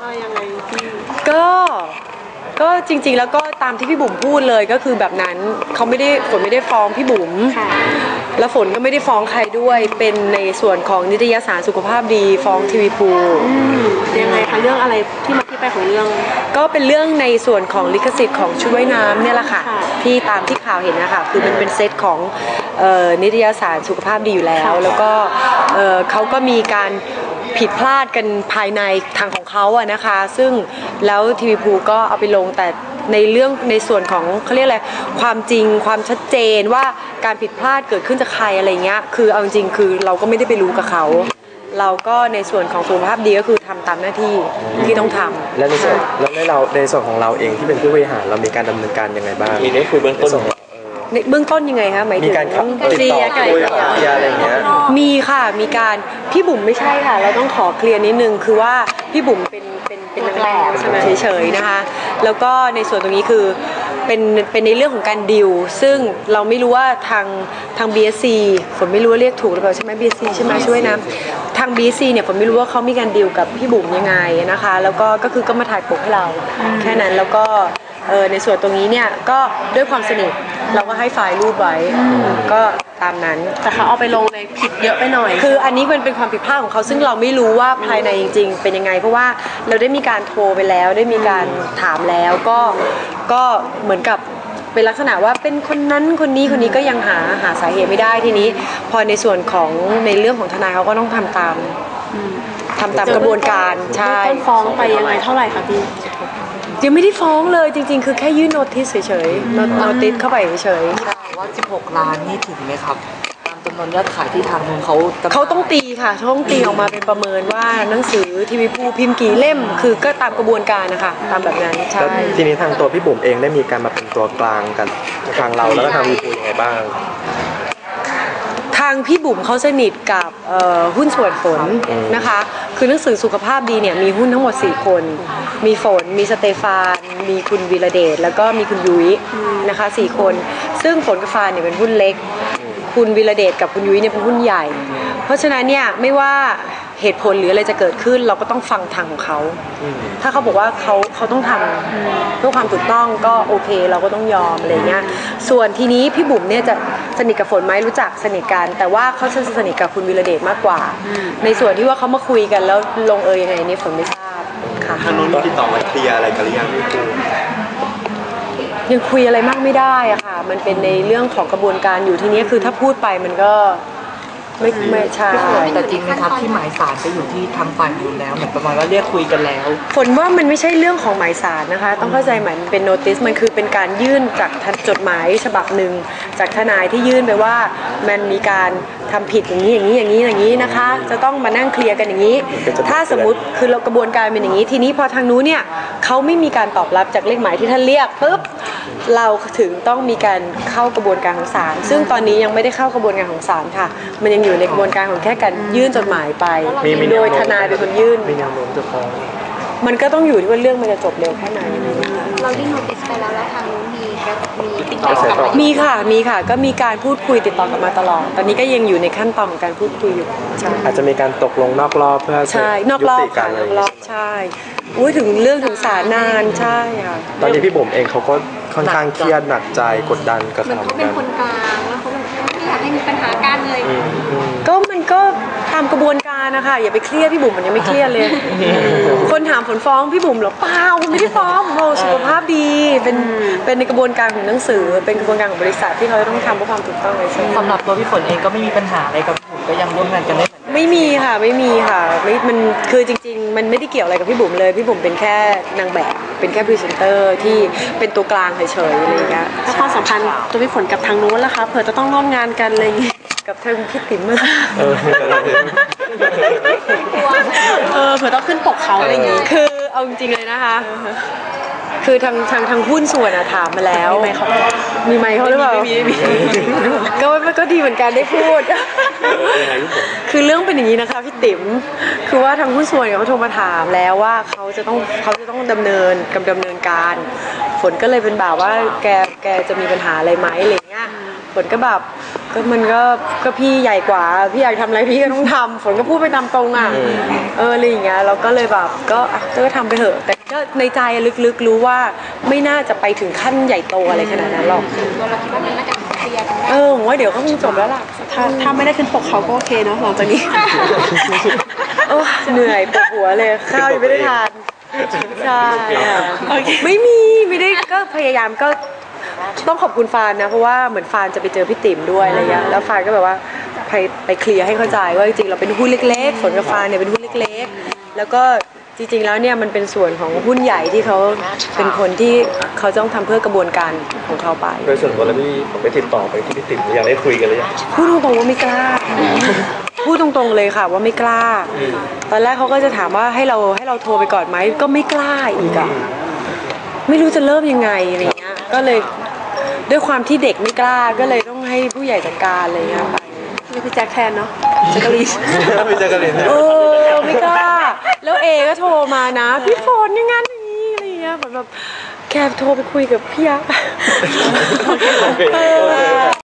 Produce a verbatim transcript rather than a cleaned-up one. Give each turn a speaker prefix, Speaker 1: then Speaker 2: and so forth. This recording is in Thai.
Speaker 1: ยังไงพี่
Speaker 2: ก็ก็จริงๆแล้วก็ตามที่พี่บุ๋มพูดเลยก็คือแบบนั้นเขาไม่ได้ฝนไม่ได้ฟ้องพี่บุ๋มแล้วฝนก็ไม่ได้ฟ้องใครด้วยเป็นในส่วนของนิตยสารสุขภาพดีฟ้องทีวีภู
Speaker 1: ยังไงคะเรื่องอะไรที่มาที่ไปของเรื่อง
Speaker 2: ก็เป็นเรื่องในส่วนของลิขสิทธิ์ของชุดว่ายน้ำเนี่ยแหละค่ะที่ตามที่ข่าวเห็นนะคะคือมันเป็นเซตของนิตยสารสุขภาพดีอยู่แล้วแล้วก็เขาก็มีการผิดพลาดกันภายในทางของเขาอะนะคะซึ่งแล้วทีวีภูก็เอาไปลงแต่ในเรื่องในส่วนของเขาเรียกอะไรความจริงความชัดเจนว่าการผิดพลาดเกิดขึ้นจากใครอะไรเงี้ยคือเอาจริงคือเราก็ไม่ได้ไปรู้กับเขาเราก็ในส่วนของสุขภาพดีก็คือทำตามหน้าที่ที่ต้องทำ
Speaker 3: และในส่วนแล้วในเราในส่วนของเราเองที่เป็นผู้บริหารเรามีการดำเนินการยังไงบ้าง
Speaker 4: มีได้คุยเบื้องต้น
Speaker 2: ในเบื้องต้นยังไงคะหมายถึง
Speaker 3: มีการเคลียร์กันเคลียร์อะไรเงี้ย
Speaker 2: มีค่ะมีการพี่บุ๋มไม่ใช่ค่ะเราต้องขอเคลียร์นิดนึงคือว่าพี่บุ๋มเป็นเป็นเป็นนางแบบใช่ไหมเฉยๆนะคะแล้วก็ในส่วนตรงนี้คือเป็นเป็นในเรื่องของการดิวซึ่งเราไม่รู้ว่าทางทาง บี เอส ซี ฝนไม่รู้ว่าเรียกถูกหรือเปล่าใช่ไหม บี เอส ซี ใช่ไหมช่วยนะทาง บี เอส ซี เนี่ยฝนไม่รู้ว่าเขามีการดิวกับพี่บุ๋มยังไงนะคะแล้วก็ก็คือก็มาถ่ายปกให้เราแค่นั้นแล้วก็เออในส่วนตรงนี้เนี่ยก็ด้วยความสนิทเราก็ให้ไฟล์รูปไว้ก็ตามนั้น
Speaker 1: แต่เขาเอาไปลงในผิดเยอะไปหน่อย
Speaker 2: คืออันนี้มันเป็นความผิดพลาดของเขาซึ่งเราไม่รู้ว่าภายในจริงๆเป็นยังไงเพราะว่าเราได้มีการโทรไปแล้วได้มีการถามแล้วก็ก็เหมือนกับเป็นลักษณะว่าเป็นคนนั้นคนนี้คนนี้ก็ยังหาหาสาเหตุไม่ได้ทีนี้พอในส่วนของในเรื่องของทนายเขาก็ต้องทำตามทำตามกระบวนการใช่
Speaker 1: ต้นฟ้องไปยังไงเท่าไหร่คะพี่
Speaker 2: ยังไม่ได้ฟ้องเลยจริงๆคือแค่ยื่นโน้ติสเฉยๆโน้ติสเข้าไปเฉย
Speaker 5: ๆว่าสิบหกล้านนี่ถึงไหมครับตามจำนวนยอดขายที่ทางนู้นเขา
Speaker 2: เขาต้องตีค่ะเขาต้องตีออกมาเป็นประเมินว่าหนังสือทีวีภูพิมพ์กี่เล่มคือก็ตามกระบวนการนะคะตามแบบนั้นใช่
Speaker 3: ทีนี้ทางตัวพี่บุ๋มเองได้มีการมาเป็นตัวกลางกันทางเราแล้วก็ทางทีวีภูยังไงบ้าง
Speaker 2: ทางพี่บุ๋มเขาสนิทกับหุ้นส่วนฝนนะคะคือหนังสือสุขภาพดีเนี่ยมีหุ้นทั้งหมดสี่คนมีฝนมีสเตฟานมีคุณวีระเดชแล้วก็มีคุณยุ้ยนะคะสี่คนซึ่งฝนกับฟานเนี่ยเป็นหุ้นเล็กคุณวีระเดชกับคุณยุ้ยเนี่ยเป็นหุ้นใหญ่เพราะฉะนั้นเนี่ยไม่ว่าเหตุผลหรืออะไรจะเกิดขึ้นเราก็ต้องฟังทางของเขาถ้าเขาบอกว่าเขาเขาต้องทำเพื่อความถูกต้องก็โอเคเราก็ต้องยอมอะไรเงี้ยส่วนทีนี้พี่บุ๋มเนี่ยจะสนิทกับฝนไหมรู้จักสนิทกันแต่ว่าเขาจะสนิทกับคุณวีระเดชมากกว่าในส่วนที่ว่าเขามาคุยกันแล้วลงเอยยังไงนี่ฝนไม่ทราบค่ะ
Speaker 4: ทางนู้นติดต่อมาเคลียร์อะไรกันหรือยังพี่ปู
Speaker 2: ยังคุยอะไรมากไม่ได้อะค่ะมันเป็นในเรื่องของกระบวนการอยู่ทีนี้คือถ้าพูดไปมันก็ไม่ไม่ใช่
Speaker 5: แต่จริงไหมครับที่หมายสารไปอยู่ที่ทางฝ่ายนู้นแล้วเหมือนประมาณว่าเรียกคุยกันแล้ว
Speaker 2: ฝนว่ามันไม่ใช่เรื่องของหมายสารนะคะต้องเข้าใจหมายมันเป็นโน้ติสมันคือเป็นการยื่นจากจดหมายฉบับหนึ่งจากทนายที่ยื่นไปว่ามันมีการทำผิดอย่างนี้อย่างนี้อย่างนี้อย่างนี้นะคะจะต้องมานั่งเคลียร์กันอย่างนี้ถ้าสมมุติคือเรากระบวนการเป็นอย่างนี้ทีนี้พอทางนู้นเนี่ยเขาไม่มีการตอบรับจากเลขหมายที่ท่านเรียกปุ๊บเราถึงต้องมีการเข้ากระบวนการของศาลซึ่งตอนนี้ยังไม่ได้เข้ากระบวนการของศาลค่ะมันยังอยู่ในกระบวนการของแค่การยื่นจดหมายไปโดยทนายเป็นคนยื่น
Speaker 3: มีแนวโน้มจะฟ้อง
Speaker 2: มันก็ต้องอยู่ที่ว่าเรื่องมันจะจบเร็วแค่ไหน
Speaker 6: เราได้โน้ติสไปแล้วแล้วทางนู้นมีมีติดต่อกลับมา
Speaker 2: มีค่ะมีค่ะก็มีการพูดคุยติดต่อกันมาตลอดตอนนี้ก็ยังอยู่ในขั้นตอนของการพูดคุยอยู่
Speaker 3: อาจจะมีการตกลงนอกรอบเพื่อ
Speaker 2: ใช่นอกรอบค่ะนอกรอบใช่อุ้ยถึงเรื่องถึงศาลนานใช่ค่ะ
Speaker 3: ตอนนี้พี่บุ๋มเองเขาก็ค่อนข้างเครียดหนักใจกดดันกับ
Speaker 6: เขาเป็นคนกลางแล้วเขาแบบไม่อยากให้มีปัญหากันเลย
Speaker 2: ก็มันก็ตามกระบวนการนะคะอย่าไปเครียดพี่บุ๋มมันยังไม่เครียดเลยคนถามผลฟ้องพี่บุ๋มหรอเปล่าไม่ได้ฟ้องโอ้สุขภาพดีเป็นเป็นในกระบวนการของหนังสือเป็นกระบวนการของบริษัทที่เขาต้องทำเพื่อความถูกต้องเลยใช่ไหม
Speaker 5: สำหรับตัวพี่ฝนเองก็ไม่มีปัญหาอะไรกับพี่บุ๋มก็ยังร่วมงานกันได้
Speaker 2: ไม่มีค่ะไม่มีค่ะไม่มันคือจริงๆมันไม่ได้เกี่ยวอะไรกับพี่บุ๋มเลยพี่บุ๋มเป็นแค่นางแบบเป็นแค่พรีเซนเตอร์ที่เป็นตัวกลางเฉยๆอะไรอย่างเงี้ย
Speaker 1: ถ้าความสัมพันธ์ตัวพี่ฝนกับทางนู้นล่ะคะเผื่อจะต้องร่วมงานกันอะไรอย่างเงี้ย
Speaker 2: กับทางพี่ติ๋ม
Speaker 1: เออเผื่อต้องขึ้นปกเขาอะไรอย่างงี้
Speaker 2: คือเอาจริงๆเลยนะคะคือทางทางทางหุ้นส่วนอะถามมาแล้วมีไมค์เขามีไมค์เขาหรือเปล่าก็มันก็ดีเหมือนกันได้พูดคือเรื่องเป็นอย่างนี้นะคะพี่ติ๋มคือว่าทางหุ้นส่วนเขาโทรมาถามแล้วว่าเขาจะต้องเขาจะต้องดำเนินกำดำเนินการฝนก็เลยเป็นแบบว่าแกแกจะมีปัญหาอะไรไหมอะไรเงี้ยฝนก็แบบก็มันก็ก็พี่ใหญ่กว่าพี่อยากทำอะไรพี่ก็ต้องทำฝนก็พูดไปตามตรงอ่ะเอออะไรอย่างเงี้ยเราก็เลยแบบก็อ่ะก็ทำไปเถอะแต่ก็ในใจลึกๆรู้ว่าไม่น่าจะไปถึงขั้นใหญ่โตอะไรขนาดนั้นหรอก
Speaker 6: ตัวเราคิดว่ามันน่าจะเคลียร์กันได้
Speaker 2: เออผมว่าเดี๋ยวก็คงจบแล้วล่ะ
Speaker 1: ถ้าถ้าไม่ได้ขึ้นปกเขาก็โอเคเนาะหลังจากนี้
Speaker 2: โอ้เหนื่อยปวดหัวเลยข้าวยังไม่ได้ทานใช่ค่ะ
Speaker 1: โอเค
Speaker 2: ไม่มีไม่ได้ก็พยายามก็ต้องขอบคุณฟานนะเพราะว่าเหมือนฟานจะไปเจอพี่ติ๋มด้วยอะไรเงี้ยแล้วฟานก็แบบว่าไปไปเคลียร์ให้เข้าใจว่าจริงๆเราเป็นหุ้นเล็กๆฝนกับฟานเนี่ยเป็นหุ้นเล็กๆแล้วก็จริงๆแล้วเนี่ยมันเป็นส่วนของหุ้นใหญ่ที่เขาเป็นคนที่เขาต้องทำเพื่อกระบวนการของเขาไป
Speaker 3: โดยส่วนตัวแล้วพี่ผมไปติดต่อไปที่พี่ติ๋มหรือยังได้คุยกันหรือยัง
Speaker 2: พูดตรงๆว่าไม่กล้า พูดตรงๆเลยค่ะว่าไม่กล้า ตอนแรกเขาก็จะถามว่าให้เราให้เราโทรไปก่อนไหมก็ไม่กล้าอีกอะไม่รู้จะเริ่มยังไงอะไรเงี้ยก็เลยด้วยความที่เด็กไม่กล้าก็เลยต้องให้ผู้ใหญ่จัดการอะไรเงี้ยไป
Speaker 1: เรียกพี่แจ็คแทนเนาะแจ็คกะลีน
Speaker 3: พี่แจ๊กกะลีน
Speaker 2: เออไม่กล้า แล้วเอก็โทรมานะ พี่ฝนอย่างงั้นอย่างนี้อะไรเงี้ยเหมือนแบบแกโทรไปคุยกับพี่ยักษ์
Speaker 3: โอเค